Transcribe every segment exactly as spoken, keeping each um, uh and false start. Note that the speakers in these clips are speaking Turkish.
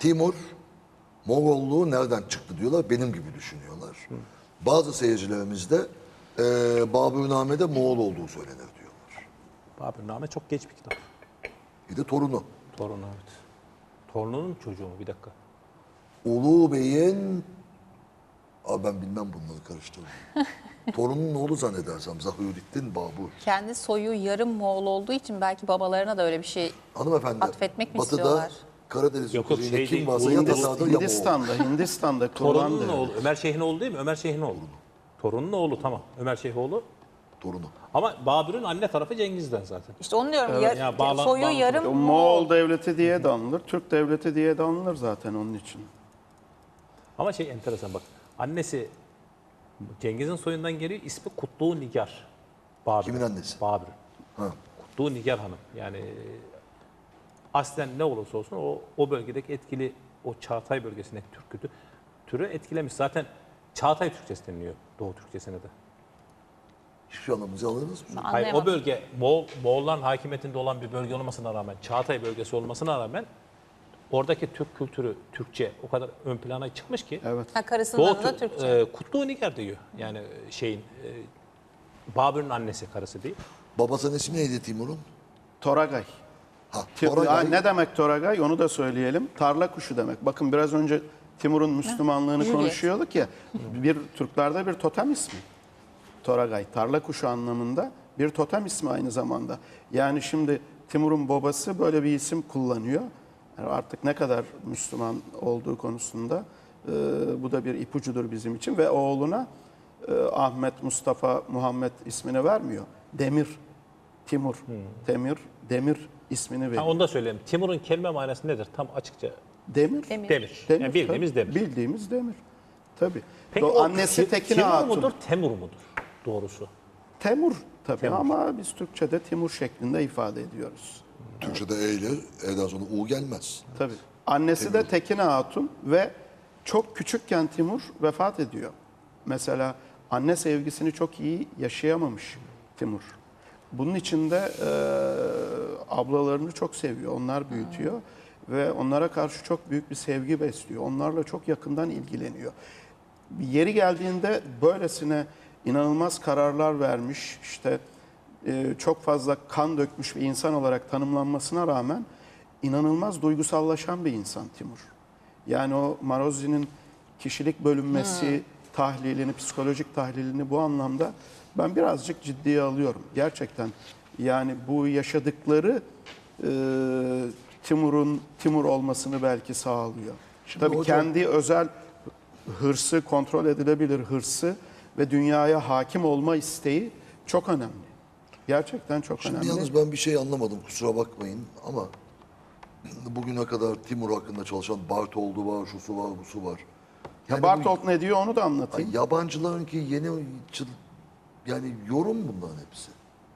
Timur Moğolluğu nereden çıktı diyorlar. Benim gibi düşünüyorlar. Hı. Bazı seyircilerimiz de e, Babürname'de Moğol olduğu söylenir diyorlar. Babürname çok geç bir kitap. Bir de torunu. Torunu evet. Torununun çocuğu mu? Bir dakika. Ulu Bey'in... Abi ben bilmem bunları karıştırdım. Torunun oğlu zannedersem Zahürüddin Babur. Kendi soyu yarım Moğol olduğu için belki babalarına da öyle bir şey Hanımefendi, atfetmek mi Batı'da istiyorlar? Karadeniz Yok, yok, kuzeyinde şey kim değil, varsa ya Hindistan- Tatar'dır ya Moğol. Hindistan'da, Hindistan'da Torununun kullandı. oğlu. Ömer Şeyh'in oğlu değil mi? Ömer Şeyh'in oğlu. Torunun oğlu tamam. Ömer Şeyhoğlu. Torunu. Ama Babür'ün anne tarafı Cengiz'den zaten. İşte onu diyorum. Yar- ya bağla- soyu bağla- yarım O Moğol. Moğol devleti diye de anılır, Türk devleti diye de anılır zaten onun için. Ama şey enteresan bak. Annesi Cengiz'in soyundan geliyor. İsmi Kutlu Nigar. Babür. Kimin annesi? Babür. Ha. Kutlu Nigar Hanım. Yani e, aslen ne olursa olsun o, o bölgedeki etkili o Çağatay bölgesindeki Türk kültü türü etkilemiş. Zaten Çağatay Türkçesi deniliyor Doğu Türkçesine de. Hiçbir şey anlamınızı anladınız mı? Hayır, o Anlayamadım. bölge Moğol, Moğolların hakimiyetinde olan bir bölge olmasına rağmen, Çağatay bölgesi olmasına rağmen oradaki Türk kültürü, Türkçe o kadar ön plana çıkmış ki Evet. Ha, karısının Doğu adı da Tür- Türkçe. e, Kutlu Nigar diyor. Yani şeyin e, Babür'ün annesi, karısı değil. Babasının ismi neydi Timur'un? Toragay. Ha, Ti- Toragay. Ha, ne demek Toragay? Onu da söyleyelim. Tarla kuşu demek. Bakın biraz önce Timur'un Müslümanlığını Juliet. konuşuyorduk ya. Bir Türklerde bir totem ismi. Toragay. Tarla kuşu anlamında bir totem ismi aynı zamanda. Yani şimdi Timur'un babası böyle bir isim kullanıyor. Yani artık ne kadar Müslüman olduğu konusunda e, bu da bir ipucudur bizim için ve oğluna e, Ahmet, Mustafa, Muhammed ismini vermiyor. Demir, Timur, Temir, Demir ismini veriyor. Ha, onu da söyleyeyim. Timur'un kelime manası nedir? Tam açıkça Demir. Demir. demir. Demir, Yani bildiğimiz tabii. demir. Bildiğimiz demir. Tabii. Peki Do- o annesi Ti- Tekine Timur Hatun. mudur, Temur mudur? Doğrusu. Temur tabii Temur. ama biz Türkçe'de Timur şeklinde ifade ediyoruz. Türkçe'de E ile E'den sonra U gelmez. Tabii. Annesi de Tekine Hatun ve çok küçükken Timur vefat ediyor. Mesela anne sevgisini çok iyi yaşayamamış Timur. Bunun için de e, ablalarını çok seviyor, onlar büyütüyor ve onlara karşı çok büyük bir sevgi besliyor. Onlarla çok yakından ilgileniyor. Yeri geldiğinde böylesine inanılmaz kararlar vermiş, işte e, çok fazla kan dökmüş bir insan olarak tanımlanmasına rağmen inanılmaz duygusallaşan bir insan Timur. Yani o Marozzi'nin kişilik bölünmesi tahlilini, psikolojik tahlilini bu anlamda ben birazcık ciddiye alıyorum. Gerçekten yani bu yaşadıkları e, Timur'un Timur olmasını belki sağlıyor. Tabii hocam- kendi özel hırsı, kontrol edilebilir hırsı ve dünyaya hakim olma isteği çok önemli. Gerçekten çok Şimdi önemli. yalnız ben bir şey anlamadım, kusura bakmayın ama bugüne kadar Timur hakkında çalışan Bartoldu var, şusu var, busu var. Ya Yani Bartolt ne diyor onu da bu, anlatayım. yabancıların ki yeni çıl- yani yorum bunların hepsi.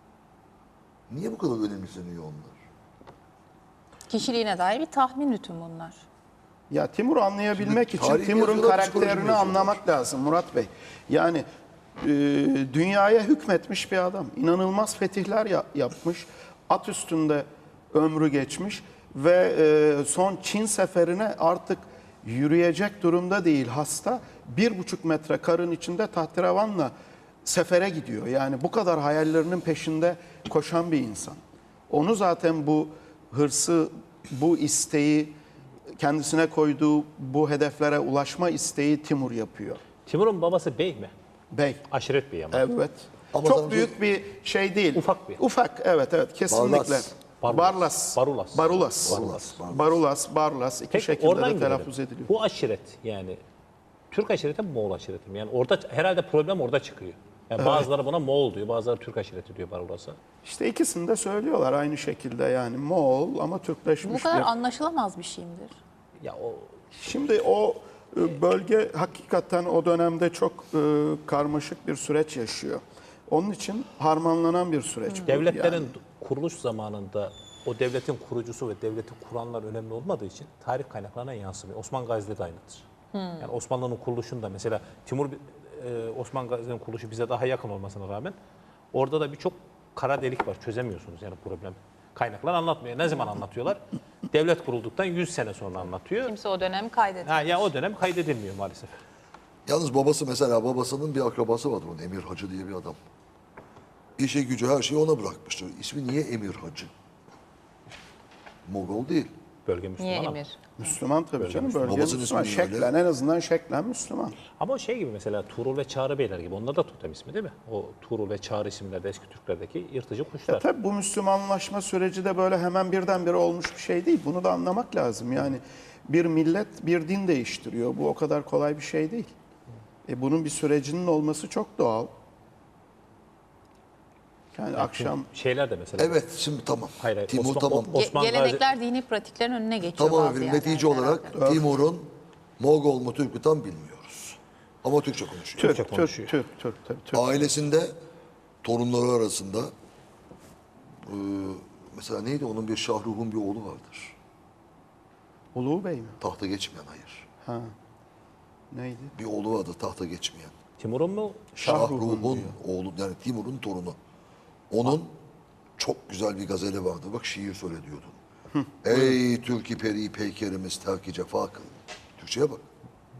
Niye bu kadar önemseniyor onlar? Kişiliğine dair bir tahmin bütün bunlar. Ya Timur'u anlayabilmek Şimdi için tarih Timur'un yazıyorlar, psikoloji karakterini yazıyorlar. anlamak lazım Murat Bey. Yani e, dünyaya hükmetmiş bir adam. İnanılmaz fetihler ya- yapmış. At üstünde ömrü geçmiş ve e, son Çin seferine artık yürüyecek durumda değil hasta. Bir buçuk metre karın içinde tahterevanla sefere gidiyor. Yani bu kadar hayallerinin peşinde koşan bir insan. Onu zaten bu hırsı, bu isteği, kendisine koyduğu bu hedeflere ulaşma isteği Timur yapıyor. Timur'un babası bey mi? Bey. Aşiret bey ama. Evet. Ama Çok sana büyük bir şey değil. Ufak bir. Ufak, evet evet kesinlikle. Barlas. Barlas. Barulas. Barulas. Barulas, Barulas. Barulas, Barlas iki Peki şekilde oradan de gidelim. telaffuz ediliyor. Bu aşiret yani Türk aşireti mi Moğol aşireti mi? Yani orada herhalde problem orada çıkıyor. Yani bazıları buna Moğol diyor, bazıları Türk aşireti diyor Barulasa. İşte ikisini de söylüyorlar aynı şekilde yani Moğol ama Bu Türkleşmiş kadar bir. anlaşılamaz bir şey midir? Ya o Şimdi o e, bölge hakikaten o dönemde çok e, karmaşık bir süreç yaşıyor. Onun için harmanlanan bir süreç bu. devletlerin Yani. kuruluş zamanında o devletin kurucusu ve devleti kuranlar önemli olmadığı için tarih kaynaklarına yansımıyor. Osman Gazi'de de aynıdır. Yani Osmanlı'nın kuruluşunda mesela Timur e, Osman Gazi'nin kuruluşu bize daha yakın olmasına rağmen orada da birçok kara delik var. Çözemiyorsunuz yani problem. Kaynaklar anlatmıyor. Ne zaman anlatıyorlar? Devlet kurulduktan yüz sene sonra anlatıyor. Kimse o dönemi kaydetmiyor. Ha, ya o dönem kaydedilmiyor maalesef. Yalnız babası mesela babasının bir akrabası vardı onun Emir Hacı diye bir adam. İşe gücü her şeyi ona bırakmıştır. İsmi niye Emir Hacı? Mogol değil. Bölge Müslüman Niye ama. emir? Müslüman tabii canım. Bölge Babasının Müslüman. ismi öyle. Şeklen en azından şeklen Müslüman. Ama o şey gibi mesela Tuğrul ve Çağrı Beyler gibi. Onlar da totem ismi değil mi? O Tuğrul ve Çağrı isimlerde eski Türklerdeki yırtıcı Ya kuşlar. tabii bu Müslümanlaşma süreci de böyle hemen birdenbire olmuş bir şey değil. Bunu da anlamak lazım. Yani bir millet bir din değiştiriyor. Bu o kadar kolay bir şey değil. E bunun bir sürecinin olması çok doğal. Yani akşam Şeyler de mesela. Evet şimdi tamam. Hayır, hayır. Timur Osman- tamam. o- Ge- Osman gelenekler dini pratiklerin önüne geçiyor Tamam bazı efendim yerlerde netice olarak herhalde. Timur'un Mogol mu Türk mü tam bilmiyoruz. Ama Türkçe konuşuyor. Türk, Türkçe Türk, konuşuyor. Türk, Türk, tabii Türk. Ailesinde torunları arasında e, mesela neydi onun bir Şahruh'un bir oğlu vardır. Ulu Bey mi? Tahta geçmeyen hayır. Ha. Neydi? Bir oğlu vardı tahta geçmeyen. Timur'un mu? Şahruh'un Şahruh'un oğlu yani Timur'un torunu. Onun çok güzel bir gazeli vardı. Bak şiir söyle diyordun. Ey Türk-i peri peykerimiz terk-i cefa kıl. Türkçe'ye bak.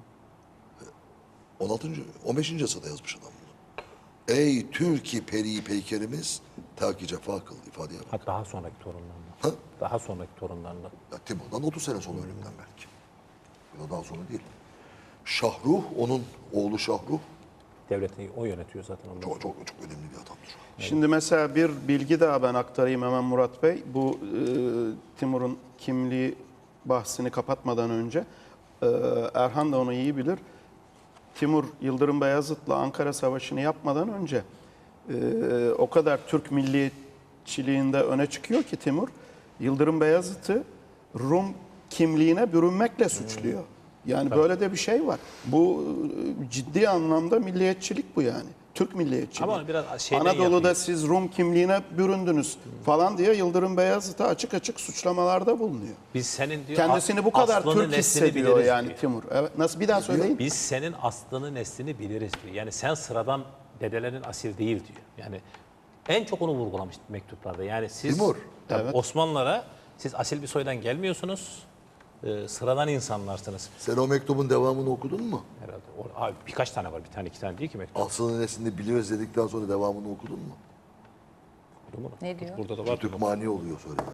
on altıncı on beşinci asırda yazmış adam bunu. Ey Türk-i peri peykerimiz terk-i cefa kıl ifadeye bak. Ha, daha sonraki torunlarından. Ha? Daha sonraki torunlarından. Ya Timur'dan otuz sene sonra ölümden belki. Ya da daha sonra değil. Şahruh, onun oğlu Şahruh Devleti o yönetiyor zaten. Ondan. çok çok çok önemli bir adamdır. Şimdi mesela bir bilgi daha ben aktarayım hemen Murat Bey. Bu e, Timur'un kimliği bahsini kapatmadan önce e, Erhan da onu iyi bilir. Timur Yıldırım Beyazıt'la Ankara Savaşı'nı yapmadan önce e, o kadar Türk milliyetçiliğinde öne çıkıyor ki Timur, Yıldırım Beyazıt'ı Rum kimliğine bürünmekle suçluyor. Yani böyle de bir şey var. Bu e, ciddi anlamda milliyetçilik bu yani. Türk milliyetçiliği. Ama biraz şeyden Anadolu'da yapıyor. siz Rum kimliğine büründünüz falan diye Yıldırım Beyazıt'a açık açık suçlamalarda bulunuyor. Biz senin diyor Kendisini bu kadar aslını, Türk neslini hissediyor biliriz yani diyor. Timur. Evet, nasıl bir daha söyleyin? Biz senin aslını neslini biliriz diyor. Yani sen sıradan dedelerin asil değil diyor. Yani en çok onu vurgulamış mektuplarda. Yani siz Timur. tabii Evet. Osmanlılara siz asil bir soydan gelmiyorsunuz. e, sıradan insanlarsınız Sen o mektubun devamını okudun mu? herhalde. O, abi birkaç tane var. Bir tane iki tane değil ki mektup. Aslını neslini biliyoruz dedikten sonra devamını okudun mu? Okudun mu? Ne diyor? Burada da var. Türk mani oluyor söyle.